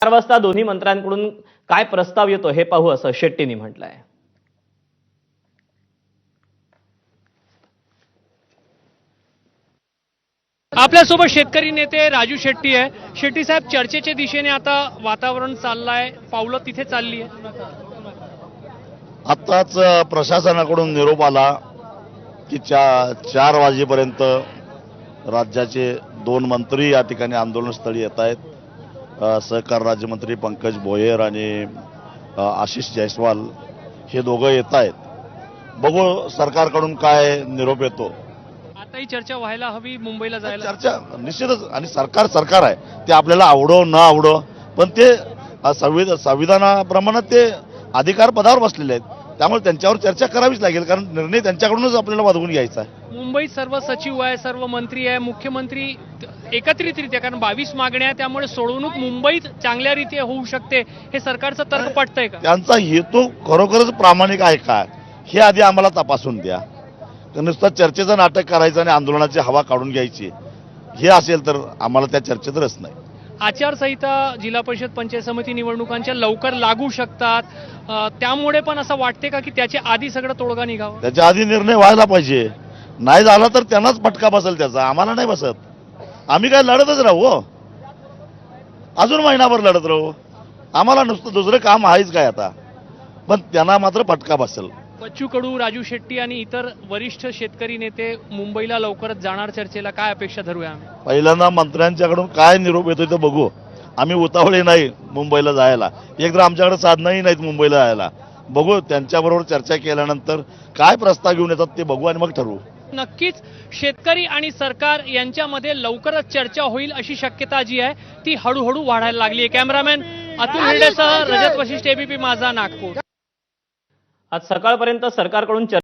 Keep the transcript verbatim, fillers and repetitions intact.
चार वाजता दोन्ही मंत्र्यांकडून काय प्रस्ताव येतो हे पाहू असं शेट्टींनी म्हटलंय। आपल्यासोबत शेतकरी नेते राजू शेट्टी आहे। शेट्टी साहेब, चर्चेच्या दिशेने आता वातावरण चाललंय, पावलं तिथे चालली आहे। आत्ताच प्रशासनाकडून निरोप आला की चा चार वाजेपर्यंत राज्याचे दोन मंत्री या ठिकाणी आंदोलनस्थळी येत आहेत। सहकार राज्यमंत्री पंकज भोयर आणि आशिष जयस्वाल हे दोघं येत आहेत। बघू सरकारकडून काय निरोप येतो। आता ही चर्चा व्हायला हवी, मुंबईला जायला चर्चा निश्चितच, आणि सरकार सरकार आहे, ते आपल्याला आवडो न आवडो, पण ते संविधान संविधानाप्रमाणे ते अधिकार पदावर बसलेले आहेत, त्यामुळे त्यांच्यावर चर्चा करावीच लागेल, कारण निर्णय त्यांच्याकडूनच आपल्याला वादवून घ्यायचा आहे। मुंबईत सर्व सचिव आहे, सर्व मंत्री आहे, मुख्यमंत्री एकत्रितरित्या, कारण बावीस मागण्या आहे, त्यामुळे सोडवणूक मुंबईत चांगल्या रीत्या होऊ शकते, हे सरकारचं तर्क पटतंय का? त्यांचा हेतू खरोखरच प्रामाणिक आहे का हे आधी आम्हाला तपासून द्या। नुसतं चर्चेचं नाटक करायचं आणि आंदोलनाची हवा काढून घ्यायची हे असेल तर आम्हाला त्या चर्चेत रस नाही। आचारसंहिता जिल्हा परिषद पंचायत समिती निवडणुकांच्या लवकर लागू शकतात, त्यामुळे पण असं वाटते का की त्याच्या आधी सगळं तोडगा निघावा? त्याच्या आधी निर्णय व्हायला पाहिजे, नाही झाला तर त्यांनाच फटका बसेल त्याचा, आम्हाला नाही बसत। आम्ही काय लढतच राहू, अजून महिनाभर लढत राहू, आम्हाला नुसतं दुसरं काम आहेच काय आता, पण त्यांना मात्र फटका बसेल। बच्चू कडू, राजू शेट्टी आणि इतर वरिष्ठ शेतकरी नेते मुंबईला लवकरच जाणार, चर्चेला काय अपेक्षा धरूया आम्ही? पहिल्यांदा मंत्र्यांच्याकडून काय निरोप येतोय ते बघू। आम्ही उतावळे नाही मुंबईला जायला, एक तर आमच्याकडे साधनही नाहीत मुंबईला जायला। बघू, त्यांच्याबरोबर चर्चा केल्यानंतर काय प्रस्ताव घेऊन येतात ते बघू आणि मग ठरवू। नक्कीच शेतकरी आणि सरकार यांच्यामध्ये लवकरच चर्चा होईल अशी शक्यता जी आहे ती हळूहळू वाढायला लागली आहे। कॅमेरामॅन अतुल हिरडेसह रजत वशिष्ठ, एबीपी माझा, नागपूर। आज सकाळपर्यंत सरकारकडून